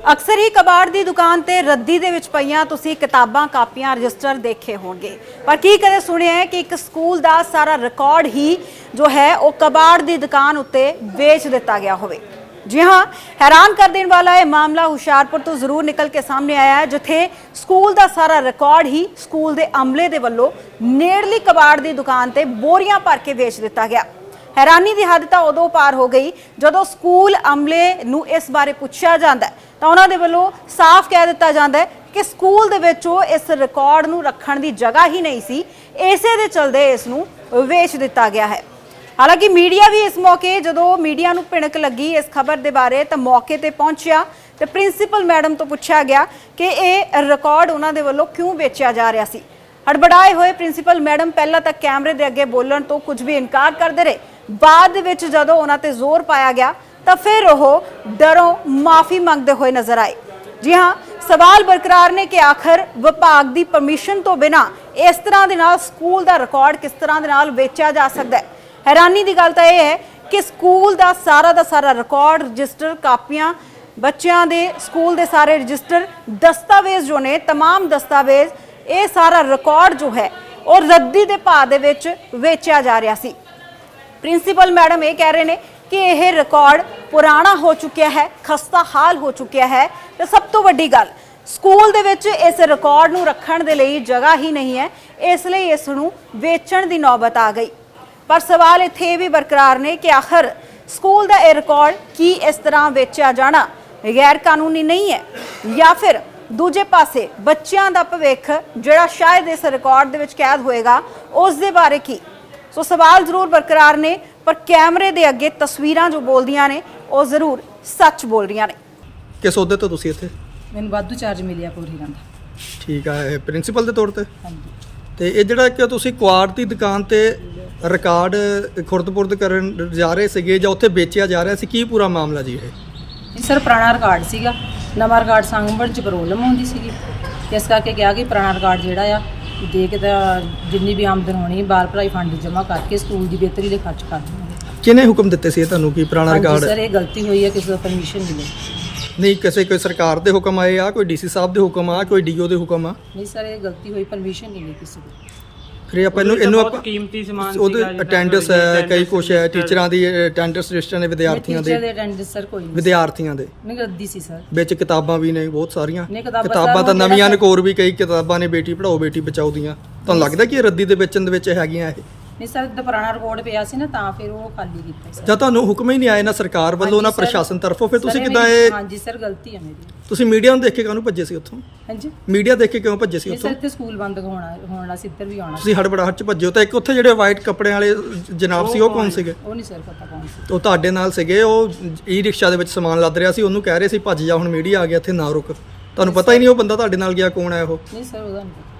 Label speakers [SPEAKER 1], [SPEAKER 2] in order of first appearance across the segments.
[SPEAKER 1] ਅਕਸਰ ਹੀ ਕਬਾੜ ਦੀ ਦੁਕਾਨ ਤੇ ਰੱਦੀ ਦੇ ਵਿੱਚ ਪਈਆਂ ਤੁਸੀਂ ਕਿਤਾਬਾਂ ਕਾਪੀਆਂ ਰਜਿਸਟਰ ਦੇਖੇ ਹੋਣਗੇ, ਪਰ ਕੀ ਕਦੇ ਸੁਣਿਆ ਹੈ ਕਿ ਇੱਕ ਸਕੂਲ ਦਾ ਸਾਰਾ ਰਿਕਾਰਡ ਹੀ ਜੋ ਹੈ ਉਹ ਕਬਾੜ ਦੀ ਦੁਕਾਨ ਉੱਤੇ ਵੇਚ ਦਿੱਤਾ ਗਿਆ ਹੋਵੇ। जी हाँ, हैरान कर देने वाला यह मामला हुशियारपुर तो जरूर निकल के सामने आया है, जिथे स्कूल का सारा रिकॉर्ड ही स्कूल के अमले के वलों नेड़ली कबाड़ की दुकान ते बोरियां भर के वेच दिता गया। हैरानी की हद तो उदों पार हो गई जदों स्कूल अमले नूं इस बारे पूछा जाता है तो उन्होंने वलों साफ कह दिता जाता है कि स्कूल दे विचों इस रिकॉर्ड नूं रखण की जगह ही नहीं सी, इसे दे चलदे इस नूं वेच दिता गया है। हालांकि मीडिया भी इस मौके जो मीडिया नूं भिणक लगी इस खबर के बारे तो मौके पर पहुंचा तो प्रिंसीपल मैडम तो पूछा गया कि यह रिकॉर्ड उन्होंने वालों क्यों बेचा जा रहा सी। हड़बड़ाए हुए प्रिंसीपल मैडम पहला तक कैमरे के अगे बोलण तो कुछ भी इनकार करते रहे, बाद विच जदों उन्हां ते जोर पाया गया तो फिर वो डरों माफ़ी मंगते हुए नजर आए। जी हाँ, सवाल बरकरार ने कि आखिर विभाग की परमिशन तो बिना इस तरह के नाल स्कूल का रिकॉर्ड किस तरह के नाल बेचा जा सकता है। हैरानी की गल तो यह है कि स्कूल का सारा रिकॉर्ड रजिस्टर कापियां बच्चों के स्कूल के सारे रजिस्टर दस्तावेज जो ने तमाम दस्तावेज ये सारा रिकॉर्ड जो है और रद्दी के भाव दे विच वेचा जा रहा सी। प्रिंसीपल मैडम ये कह रहे हैं कि यह रिकॉर्ड पुराना हो चुका है, खस्ता हाल हो चुका है। तो सब तो वड्डी गल स्कूल दे विच इस रिकॉर्ड नूं रखण दे लई जगह ही नहीं है, इसलिए इस नूं वेचण दी नौबत आ गई। पर सवाल इत्थे भी बरकरार ने कि आखिर स्कूल का यह रिकॉर्ड की इस तरह बेचा जाना गैर कानूनी नहीं है या फिर दूजे पासे बच्चों का भविख जिहड़ा शायद इस रिकॉर्ड दे विच कैद होएगा उस दे बारे की। सो सवाल जरूर बरकरार ने, पर कैमरे के अगे तस्वीरां जो बोलदियां ने वो जरूर सच बोल रही ने।
[SPEAKER 2] किस अहुदे तो तुसीं इत्थे?
[SPEAKER 3] मैनूं वाधू चार्ज मिलिਆ ਪੂਰੀ ਦਾ।
[SPEAKER 2] ठीक है, प्रिंसीपल के तौर पर।
[SPEAKER 3] ਹਾਂਜੀ
[SPEAKER 2] ਤੇ ਇਹ ਜਿਹੜਾ ਕਿ ਤੁਸੀਂ ਕੁਆੜ ਦੀ ਦੁਕਾਨ ਤੇ ਰਿਕਾਰਡ ਖੁਰਦ-ਪੁਰਦ ਕਰਨ ਜਾ ਰਹੇ ਸੀਗੇ ਜਾਂ ਉੱਥੇ ਵੇਚਿਆ ਜਾ ਰਿਹਾ ਸੀ, ਕੀ ਪੂਰਾ ਮਾਮਲਾ ਜੀ ਇਹ?
[SPEAKER 3] ਇਹ ਸਰ ਪੁਰਾਣਾ ਰਿਕਾਰਡ ਸੀਗਾ, ਨਵਾਂ ਰਿਕਾਰਡ ਸੰਭਣ ਚ ਪ੍ਰੋਬਲਮ ਹੁੰਦੀ ਸੀਗੀ, ਇਸ ਕਰਕੇ ਕਿਹਾ ਕਿ ਪੁਰਾਣਾ ਰਿਕਾਰਡ ਜਿਹੜਾ ਆ ਦੇ ਕੇ ਤਾਂ ਜਿੰਨੀ ਵੀ ਆਮਦਨ ਹੋਣੀ ਬਾਲ ਭਲਾਈ ਫੰਡ ਜਮ੍ਹਾਂ ਕਰਕੇ ਸਕੂਲ ਦੀ ਬਿਹਤਰੀ ਲਈ ਖਰਚ ਕਰ ਦਿੰਦੇ।
[SPEAKER 2] ਕਿਹਨੇ ਹੁਕਮ ਦਿੱਤੇ ਸੀ ਇਹ ਤੁਹਾਨੂੰ ਕਿ ਪੁਰਾਣਾ ਰਿਕਾਰਡ?
[SPEAKER 3] ਸਰ ਇਹ ਗਲਤੀ ਹੋਈ ਹੈ, ਕਿਸੇ ਤੋਂ ਪਰਮਿਸ਼ਨ ਮਿਲੇ
[SPEAKER 2] ਨਹੀਂ, ਕਿਸੇ ਕੋਈ ਸਰਕਾਰ ਦੇ ਹੁਕਮ ਆਏ ਆ, ਕੋਈ ਡੀਸੀ ਸਾਹਿਬ ਦੇ ਹੁਕਮ ਆ, ਕੋਈ ਡੀਓ ਦੇ ਹੁਕਮ ਆ?
[SPEAKER 3] ਨਹੀਂ ਸਰ, ਇਹ ਗਲਤੀ ਹੋਈ, ਪਰਮਿਸ਼ਨ ਨਹੀਂ ਲਈ ਕਿਸੇ ਦੀ।
[SPEAKER 2] ਫਿਰ ਆਪਾਂ ਇਹਨੂੰ ਆਪਾਂ
[SPEAKER 4] ਕੀਮਤੀ ਸਮਾਨ
[SPEAKER 2] ਉਹਦੇ ਅਟੈਂਡੈਂਸ ਹੈ, ਕਈ ਕੁਛ ਹੈ, ਟੀਚਰਾਂ ਦੀ ਅਟੈਂਡੈਂਸ ਰਜਿਸਟਰ ਨੇ, ਵਿਦਿਆਰਥੀਆਂ
[SPEAKER 3] ਟੀਚਰ
[SPEAKER 2] ਦੇ
[SPEAKER 3] ਦੇ ਅਟੈਂਡੈਂਸ ਸਰ ਕੋਈ ਨਹੀਂ,
[SPEAKER 2] ਵਿਦਿਆਰਥੀਆਂ ਦੇ
[SPEAKER 3] ਨਹੀਂ ਰੱਦੀ ਸੀ ਸਰ।
[SPEAKER 2] ਵਿੱਚ ਕਿਤਾਬਾਂ ਵੀ ਨੇ ਬਹੁਤ ਸਾਰੀਆਂ,
[SPEAKER 3] ਨਹੀਂ, ਕਿਤਾਬਾਂ
[SPEAKER 2] ਕਿਤਾਬਾਂ ਤਾਂ
[SPEAKER 3] ਸਰ
[SPEAKER 2] ਨਵੀਆਂ ਨਕੋਰ ਵੀ ਕਈ ਕਿਤਾਬਾਂ ਨੇ, ਬੇਟੀ ਪੜਾਓ ਬੇਟੀ ਬਚਾਓ ਦੀਆਂ। ਤੁਹਾਨੂੰ ਲੱਗਦਾ ਕਿ ਇਹ ਰੱਦੀ ਦੇ ਵੇਚਣ ਦੇ ਵਿੱਚ ਹੈਗੀਆਂ ਇਹ?
[SPEAKER 3] ਨਹੀਂ ਸਰ, ਦਾ ਪੁਰਾਣਾ ਰਿਕਾਰਡ ਪਿਆ ਸੀ ਨਾ ਤਾਂ ਫਿਰ ਉਹ ਖਾਲੀ ਕੀਤਾ ਸਰ।
[SPEAKER 2] ਜਾਂ ਤੁਹਾਨੂੰ ਹੁਕਮ ਹੀ ਨਹੀਂ ਆਏ ਨਾ ਸਰਕਾਰ ਵੱਲੋਂ ਨਾ ਪ੍ਰਸ਼ਾਸਨ ਤਰਫੋਂ, ਫਿਰ ਤੁਸੀਂ
[SPEAKER 3] ਸਰ,
[SPEAKER 2] ਕਿੱਦਾਂ ਇਹ?
[SPEAKER 3] ਹਾਂਜੀ ਸਰ, ਗਲਤੀ ਹੈ ਮੇਰੀ।
[SPEAKER 2] ਤੁਸੀਂ ਮੀਡੀਆ ਨੂੰ ਦੇਖ ਕੇ ਕਾਹਨੂੰ ਭੱਜੇ ਸੀ ਉੱਥੋਂ?
[SPEAKER 3] ਹਾਂਜੀ
[SPEAKER 2] ਮੀਡੀਆ ਦੇਖ ਕੇ ਕਿਉਂ ਭੱਜੇ ਸੀ
[SPEAKER 3] ਨਹੀਂ
[SPEAKER 2] ਉੱਥੋਂ?
[SPEAKER 3] ਸਰ, ਇੱਥੇ ਸਕੂਲ ਬੰਦ ਹੋਣਾ ਸੀ, ਇੱਧਰ ਵੀ ਆਉਣਾ ਸੀ।
[SPEAKER 2] ਤੁਸੀਂ ਹੜਬੜਾਹਟ ਚ ਭੱਜੇ ਹੋ ਤਾਂ ਇੱਕ ਉੱਥੇ ਜਿਹੜੇ ਵਾਈਟ ਕੱਪੜਿਆਂ ਵਾਲੇ ਜਨਾਬ ਸੀ ਉਹ ਕੌਣ ਸੀਗੇ?
[SPEAKER 3] ਉਹ ਨਹੀਂ ਸਰ ਪਤਾ ਕੌਣ ਸੀ।
[SPEAKER 2] ਉਹ ਤੁਹਾਡੇ ਨਾਲ ਸੀਗੇ, ਉਹ ਈ ਰਿਕਸ਼ਾ ਦੇ ਵਿੱਚ ਸਮਾਨ ਲੱਦ ਰਿਹਾ ਸੀ, ਉਹਨੂੰ ਕਹਿ ਰਹੇ ਸੀ ਭੱਜ ਜਾ, ਹੁਣ ਮੀਡੀਆ ਆ ਗਿਆ ਇੱਥੇ ਨਾ ਰੁਕ। ਤੁਹਾਨੂੰ ਪਤਾ ਹੀ ਨਹੀਂ ਉਹ ਬੰਦਾ ਤੁਹਾਡੇ ਨਾਲ ਗਿਆ ਕੌਣ ਹੈ ਉਹ?
[SPEAKER 3] ਨਹੀਂ ਸਰ, ਉਹਦਾ ਨਹੀਂ ਪਤਾ।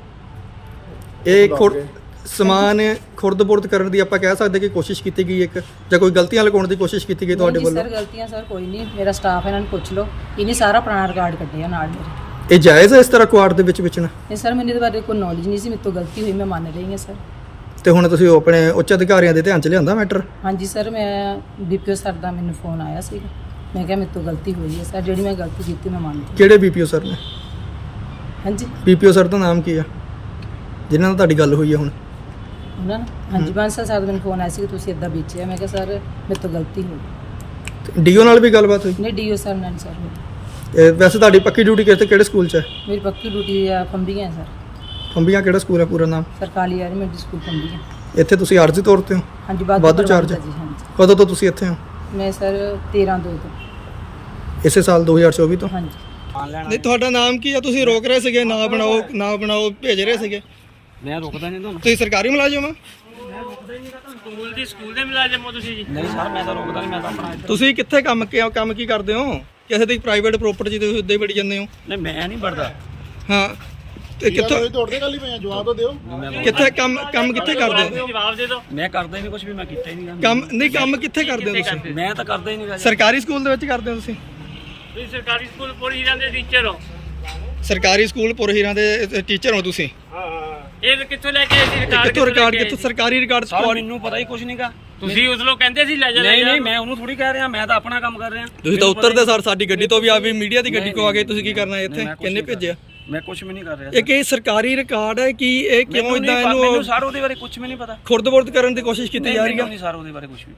[SPEAKER 2] ਇਹ ਸਮਾਨ ਖੁਰਦ-ਬੁਰਦ ਕਰਨ ਦੀ ਆਪਾਂ ਕਹਿ ਸਕਦੇ ਕਿ ਕੋਸ਼ਿਸ਼ ਕੀਤੀ ਗਈ ਇੱਕ, ਜਾਂ ਕੋਈ ਗਲਤੀਆਂ ਲਗਾਉਣ ਦੀ ਕੋਸ਼ਿਸ਼ ਕੀਤੀ ਗਈ ਤੁਹਾਡੇ
[SPEAKER 3] ਨਹੀਂ
[SPEAKER 2] ਵੱਲੋਂ?
[SPEAKER 3] ਸਰ, ਗਲਤੀਆਂ ਸਰ ਕੋਈ ਨਹੀਂ, ਮੇਰਾ ਸਟਾਫ ਇਹਨਾਂ ਨੂੰ ਪੁੱਛ ਲਓ, ਇਹਨੇ ਸਾਰਾ ਪੁਰਾਣਾ ਰਿਕਾਰਡ ਕੱਢਿਆ ਨਾਲ ਮੇਰੇ।
[SPEAKER 2] ਇਹ ਜਾਇਜ਼ ਹੈ ਇਸ ਤਰ੍ਹਾਂ ਕੁਆੜ ਦੇ ਵਿੱਚ ਵੇਚਣਾ?
[SPEAKER 3] ਨਹੀਂ ਸਰ, ਮੈਨੂੰ ਇਹਦੇ ਬਾਰੇ ਕੋਈ ਨੌਲੇਜ ਨਹੀਂ ਸੀ, ਮੇਰੇ ਤੋਂ ਗਲਤੀ ਹੋਈ, ਮੈਂ ਮੰਨ ਰਹੀ ਹਾਂ ਸਰ।
[SPEAKER 2] ਤੇ ਹੁਣ ਤੁਸੀਂ ਉਹ ਆਪਣੇ ਉੱਚ ਅਧਿਕਾਰੀਆਂ ਦੇ ਧਿਆਨ 'ਚ ਲਿਆਂਦਾ ਮੈਟਰ?
[SPEAKER 3] ਹਾਂਜੀ ਸਰ, ਮੈਂ ਡੀਪੀਓ ਸਰ ਦਾ ਮੈਨੂੰ ਫੋਨ ਆਇਆ ਸੀਗਾ, ਮੈਂ ਕਿਹਾ ਮੇਰੇ ਤੋਂ ਗਲਤੀ ਹੋਈ ਹੈ ਸਰ, ਜਿਹੜੀ ਮੈਂ ਗਲਤੀ ਕੀਤੀ ਮੈਂ ਮੰਨਦੀ।
[SPEAKER 2] ਕਿਹੜੇ ਬੀਪੀਓ ਸਰ ਨੇ?
[SPEAKER 3] ਹਾਂਜੀ
[SPEAKER 2] ਬੀਪੀਓ ਸਰ ਦਾ ਨਾਮ ਕੀ ਆ ਜਿਨ੍ਹਾਂ ਨਾਲ ਤੁਹਾਡੀ ਗੱਲ ਹੋਈ ਹੈ ਹੁਣ?
[SPEAKER 3] ਉਹਨਾਂ ਨੇ ਹਾਂਜੀ ਬਾਂਸਲ ਸਰ ਦਾ ਮੈਨੂੰ ਫੋਨ ਆਇਆ ਸੀ ਕਿ ਤੁਸੀਂ ਇੱਦਾਂ ਵੇਚਿਆ, ਮੈਂ ਕਿਹਾ ਸਰ ਮੇਰੇ ਤੋਂ ਗਲਤੀ ਹੋ ਗਈ।
[SPEAKER 2] ਡੀਓ ਨਾਲ ਵੀ ਗੱਲਬਾਤ ਹੋਈ?
[SPEAKER 3] ਨਹੀਂ, ਡੀਓ ਸਰ ਨਾਲ ਸਰ ਹੋਈ।
[SPEAKER 2] ਇਹ ਵੈਸੇ ਤੁਹਾਡੀ ਪੱਕੀ ਡਿਊਟੀ ਕਿਹੜੇ ਸਕੂਲ 'ਚ ਹੈ?
[SPEAKER 3] ਮੇਰੀ ਪੱਕੀ ਡਿਊਟੀ ਆ ਫੰਬੀਆਂ ਸਰ,
[SPEAKER 2] ਫੰਬੀਆਂ ਕਿਹੜਾ ਸਕੂਲ ਹੈ ਪੂਰਾ ਨਾਮ?
[SPEAKER 3] ਸਰਕਾਰੀ ਐਲੀਮੈਂਟਰੀ ਸਕੂਲ ਫੰਬੀਆਂ।
[SPEAKER 2] ਇੱਥੇ ਤੁਸੀਂ ਆਰਜ਼ੀ ਤੌਰ ਤੇ ਹੋ?
[SPEAKER 3] ਹਾਂਜੀ,
[SPEAKER 2] ਵਾਧੂ ਚਾਰਜ?
[SPEAKER 3] ਜੀ ਹਾਂਜੀ।
[SPEAKER 2] ਕਦੋਂ ਤੋਂ ਤੁਸੀਂ ਇੱਥੇ ਹੋ?
[SPEAKER 3] ਮੈਂ ਸਰ 13/2 ਤੋਂ।
[SPEAKER 2] ਇਸੇ ਸਾਲ 2024 ਤੋਂ?
[SPEAKER 3] ਹਾਂਜੀ।
[SPEAKER 2] ਨਹੀਂ, ਤੁਹਾਡਾ ਨਾਮ ਕੀ ਆ? ਤੁਸੀਂ ਰੋਕ ਰਹੇ ਸੀਗੇ, ਨਾ ਬਣਾਓ ਭੇਜ ਰਹੇ ਸੀਗੇ।
[SPEAKER 4] ਮੈਂ ਰੁਕਦਾ ਨਹੀਂ ਤੁਹਾਨੂੰ।
[SPEAKER 2] ਤੁਸੀਂ ਸਰਕਾਰੀ ਮੁਲਾਜ਼ਮ ਆ?
[SPEAKER 4] ਸਕੂਲ ਦੇ ਮੁਲਾਜ਼ਮ ਹੋ ਤੁਸੀਂ ਜੀ? ਨਹੀਂ ਸਰ, ਮੈਂ ਤਾਂ ਰੁਕਦਾ ਨਹੀਂ, ਮੈਂ ਤਾਂ ਆਪਣਾ।
[SPEAKER 2] ਤੁਸੀਂ ਕਿੱਥੇ ਕੰਮ ਕੀ ਕਰਦੇ ਹੋ? ਕਿਸੇ ਦੀ ਪ੍ਰਾਈਵੇਟ ਪ੍ਰਾਪਰਟੀ ਤੁਸੀਂ ਉੱਦਾਂ ਹੀ ਵੜੀ ਜਾਂਦੇ ਹੋ?
[SPEAKER 4] ਨਹੀਂ, ਮੈਂ ਨਹੀਂ ਵੜਦਾ।
[SPEAKER 2] ਹਾਂ, ਤੇ ਕਿੱਥੋਂ
[SPEAKER 5] ਤੋੜਦੇ ਗੱਲ ਹੀ ਪਏ ਜਵਾਬ ਤਾਂ ਦਿਓ।
[SPEAKER 2] ਕਿੱਥੇ ਕੰਮ ਕਿੱਥੇ ਕਰਦੇ ਹੋ?
[SPEAKER 4] ਜਵਾਬ ਦੇ ਦਿਓ। ਮੈਂ ਕਰਦਾ ਹੀ ਨਹੀਂ ਕੁਝ ਵੀ, ਮੈਂ ਕੀਤਾ ਹੀ ਨਹੀਂ
[SPEAKER 2] ਕੰਮ ਕਿੱਥੇ ਕਰਦੇ ਹੋ ਤੁਸੀਂ?
[SPEAKER 4] ਮੈਂ ਤਾਂ ਕਰਦਾ ਹੀ ਨਹੀਂ।
[SPEAKER 2] ਸਰਕਾਰੀ ਸਕੂਲ ਦੇ ਵਿੱਚ ਕਰਦੇ ਹੋ ਤੁਸੀਂ?
[SPEAKER 4] ਤੁਸੀਂ ਸਰਕਾਰੀ ਸਕੂਲ ਪੁਰ ਹੀਰਾਂ ਦੇ ਟੀਚਰ ਹੋ?
[SPEAKER 2] ਸਰਕਾਰੀ ਸਕੂਲ ਪੁਰ ਹੀਰਾਂ ਦੇ ਟੀਚਰ ਹੋ ਤੁਸੀਂ?
[SPEAKER 4] ਇਹ ਕਿੱਥੋਂ ਲੈ ਕੇ ਆਏ ਸੀ ਰਿਕਾਰਡ?
[SPEAKER 2] ਕਿੱਥੋਂ ਰਿਕਾਰਡ? ਕਿੱਥੋਂ ਸਰਕਾਰੀ ਰਿਕਾਰਡ?
[SPEAKER 4] ਸਰ ਮੈਨੂੰ ਪਤਾ ਹੀ ਕੁਝ ਨਹੀਂਗਾ। ਤੁਸੀਂ ਉਸ ਨੂੰ ਕਹਿੰਦੇ ਸੀ ਲੈ ਜਾ
[SPEAKER 5] ਨਹੀਂ ਨਹੀਂ ਮੈਂ ਉਹਨੂੰ ਥੋੜੀ ਕਹਿ ਰਿਹਾ, ਮੈਂ ਤਾਂ ਆਪਣਾ ਕੰਮ ਕਰ ਰਿਹਾ।
[SPEAKER 2] ਤੁਸੀਂ ਤਾਂ ਉੱਤਰਦੇ ਸਰ ਸਾਡੀ ਗੱਡੀ ਤੋਂ ਵੀ ਆ ਵੀ ਮੀਡੀਆ ਦੀ ਗੱਡੀ ਕੋ ਆ ਗਏ, ਤੁਸੀਂ ਕੀ ਕਰਨਾ ਇੱਥੇ?
[SPEAKER 5] ਮੈਂ ਕੁਛ
[SPEAKER 2] ਕਿੰਨੇ
[SPEAKER 5] ਨਹੀਂ
[SPEAKER 2] ਭੇਜਿਆ?
[SPEAKER 5] ਮੈਂ ਕੁਝ ਵੀ ਨਹੀਂ ਕਰ ਰਿਹਾ।
[SPEAKER 2] ਇਹ ਕੀ ਸਰਕਾਰੀ ਰਿਕਾਰਡ ਹੈ ਕਿ ਇਹ ਕਿਉਂ ਇਦਾਂ
[SPEAKER 5] ਮੈਨੂੰ
[SPEAKER 2] ਇਹਨੂੰ
[SPEAKER 5] ਸਰ ਉਹਦੇ ਬਾਰੇ ਕੁਝ ਵੀ ਨਹੀਂ ਪਤਾ।
[SPEAKER 2] ਖੁਰਦ-ਬੁਰਦ ਕਰਨ ਦੀ ਕੋਸ਼ਿਸ਼ ਕੀਤੀ ਜਾ ਰਹੀ
[SPEAKER 5] ਮੈਨੂੰ
[SPEAKER 2] ਹੈ?
[SPEAKER 5] ਨਹੀਂ ਸਰ ਉਹਦੇ ਬਾਰੇ ਕੁਝ ਵੀ